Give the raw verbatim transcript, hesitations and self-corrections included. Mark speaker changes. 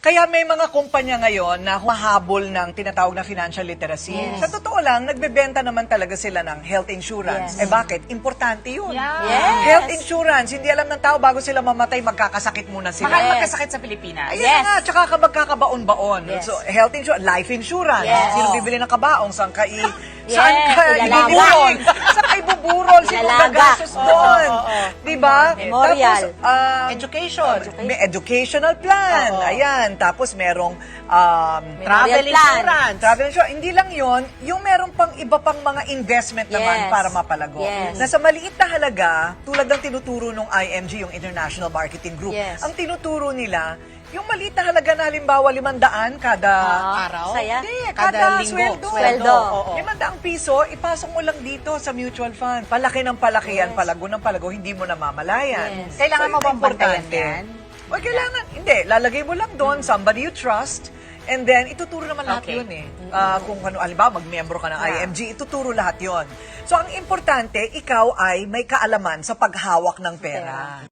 Speaker 1: Kaya may mga kumpanya ngayon na humahabol ng tinatawag na financial literacy.
Speaker 2: Yes.
Speaker 1: Sa totoo lang, nagbebenta naman talaga sila ng health insurance.
Speaker 2: Yes.
Speaker 1: Eh bakit? Importante yun.
Speaker 3: Yeah.
Speaker 2: Yes.
Speaker 1: Health insurance, hindi alam ng tao bago sila mamatay, magkakasakit muna sila.
Speaker 3: Mahal
Speaker 2: Yes.
Speaker 3: magkasakit sa Pilipinas.
Speaker 1: Ayun
Speaker 2: Yes.
Speaker 1: na nga, tsaka ka magkakabaon-baon.
Speaker 2: Yes.
Speaker 1: So, health insurance, life insurance.
Speaker 2: Yes.
Speaker 1: Sino bibili ng kabaong? Saan ka, i,
Speaker 2: Yes,
Speaker 1: saan ka
Speaker 2: ilalaga.
Speaker 1: ibuburol? Saan ka ibuburol? Sino
Speaker 2: Ilalaga.
Speaker 1: gagastos
Speaker 3: Oo,
Speaker 1: doon?
Speaker 3: oo, oo.
Speaker 1: Diba?
Speaker 2: Memorial.
Speaker 1: Tapos, um,
Speaker 3: Education.
Speaker 1: may educational plan.
Speaker 3: Oo.
Speaker 1: Ayan. Tapos, merong um,
Speaker 3: Travel
Speaker 2: Memorial plan.
Speaker 3: insurance.
Speaker 1: travel insurance. Hindi lang yon, yung meron pang iba pang mga investment naman
Speaker 2: Yes.
Speaker 1: para mapalago.
Speaker 2: Yes.
Speaker 1: Na sa maliit na halaga, tulad ng tinuturo ng I M G, yung International Marketing Group,
Speaker 2: Yes.
Speaker 1: ang tinuturo nila, yung maliit na halaga na halimbawa limandaan kada
Speaker 2: Ah,
Speaker 3: araw?
Speaker 2: Saya.
Speaker 1: Hindi,
Speaker 3: Kada
Speaker 1: kada,
Speaker 3: linggo.
Speaker 1: sweldo.
Speaker 2: Sweldo.
Speaker 3: Oo.
Speaker 1: Limandaang piso, ipasok mo lang dito sa mutual fund. Palaki ng palaki yan,
Speaker 2: Yes.
Speaker 1: palago ng palago, hindi mo namamalayan.
Speaker 2: Yes.
Speaker 3: Kailangan
Speaker 1: yun
Speaker 3: mo
Speaker 1: ang
Speaker 3: bang bantayan
Speaker 1: importante.
Speaker 3: yan?
Speaker 1: O, kailangan, hindi. Lalagay mo lang doon, somebody you trust, and then ituturo naman lahat
Speaker 3: Okay.
Speaker 1: yun eh. Ah, kung ano, alimbawa, mag-membro ka ng I M G, ituturo lahat yon. So, ang importante, ikaw ay may kaalaman sa paghawak ng pera.